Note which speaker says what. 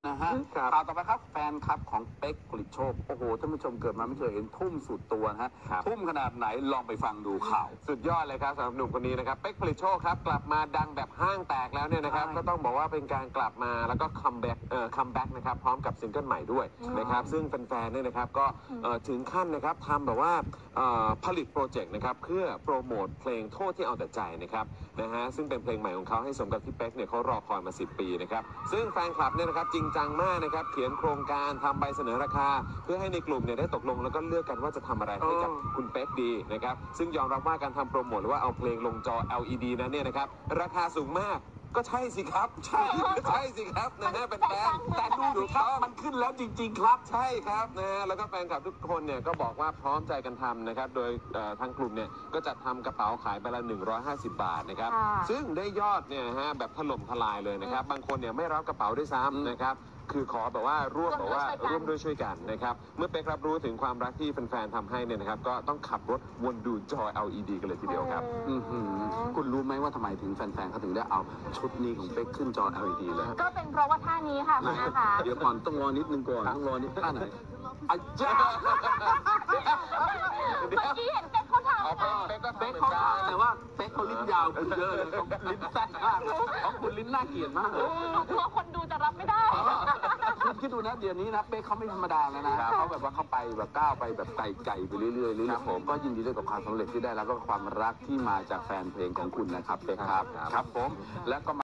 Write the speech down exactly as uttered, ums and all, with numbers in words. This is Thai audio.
Speaker 1: นะฮะข่าวต่อไปครับแฟนคลับของเป๊กผลิตโชคโอ้โหท่านผู้ชมเกิดมาไม่เคยเห็นทุ่มสุดตัวนะฮะทุ่มขนาดไหนลองไปฟังดูข่าว
Speaker 2: สุดยอดเลยครับสำหรับหนุ่มคนนี้นะครับเป๊กผลิตโชคครับกลับมาดังแบบห้างแตกแล้วเนี่ยนะครับก็ต้องบอกว่าเป็นการกลับมาแล้วก็คัมแบ็กเอ่อคัมแบ็กนะครับพร้อมกับซิงเกิลใหม่ด้วยนะครับซึ่งแฟนๆเนี่ยนะครับก็ถึงขั้นนะครับทำแบบว่าผลิตโปรเจกต์นะครับเพื่อโปรโมทเพลงโทษที่เอาแต่ใจนะครับนะฮะซึ่งเป็นเพลงใหม่ของเขาให้สมกับที่เป๊กเนี่ยเขารอคอยมาสิบปีนะครับซึ่งแฟนคลับเนี่ยนะครับจริงจังมากนะครับเขียนโครงการทำใบเสนอราคาเพื่อให้ในกลุ่มเนี่ยได้ตกลงแล้วก็เลือกกันว่าจะทำอะไรให้กับคุณเป๊กดีนะครับซึ่งยอมรับว่าการทำโปรโมทหรือว่าเอาเพลงลงจอ แอล อี ดี นั้นเนี่ยนะครับราคาสูงมากก็ใช่สิครับใช่ใช่สิครับนะฮะเป็นแฟนแต่ดูดิครับมันขึ้นแล้วจริงๆครับใช่ครับนะฮะแล้วก็แฟนคลับทุกคนเนี่ยก็บอกว่าพร้อมใจกันทำนะครับโดยทางกลุ่มเนี่ยก็จัดทำกระเป๋าขายไปละหนึ่งร้อยห้าสิบบาทนะครับซึ่งได้ยอดเนี่ยฮะแบบถล่มทลายเลยนะครับบางคนเนี่ยไม่รับกระเป๋าด้วยซ้ำนะครับคือขอแบบว่าร่วมแบบว่าร่วมด้วยช่วยกันนะครับเมื่อเป๊กรับรู้ถึงความรักที่แฟนๆทำให้เนี่ยนะครับก็ต้องขับรถวนดูจอ แอล อี ดี กันเลยทีเดียวครับคุณรู้ไหมว่าทำไมถึงแฟนๆเขาถึงได้เอาชุดนี้ของเป๊กขึ้นจอ แอล อี ดี เลย
Speaker 3: ก็เป็นเพราะว่าท่านี้ค่ะคุณนะคะ
Speaker 1: เดี๋ยวก่อนต้องรอนิดนึงก่อนต้องรอนิดท่าไหนอาจารย์
Speaker 3: เมื่อกี้เห็นเป๊กเขาทำนะ
Speaker 1: เป๊กก็เป๊กเขาแต่ว่าเป๊กเขาลิ้นยาวคุณเยอะเลยเขาลิ้นสั้นมากของคุณลิ้นน่าเกลียดมากเลย
Speaker 3: กลัวคนดูจะรับไม่ได้
Speaker 1: คุณคิดดูนะเดี๋ยวนี้นะเป๊กเขาไม่ธรรมดาแล้วนะเขาแบบว่าเขาไปแบบก้าวไปแบบไกลๆไปเรื่อยๆเรื่อยๆผมก็ยินดีด้วยกับความสำเร็จที่ได้แล้วก็ความรักที่มาจากแฟนเพลงของคุณนะครับเป๊กครับครับผมแล้วก็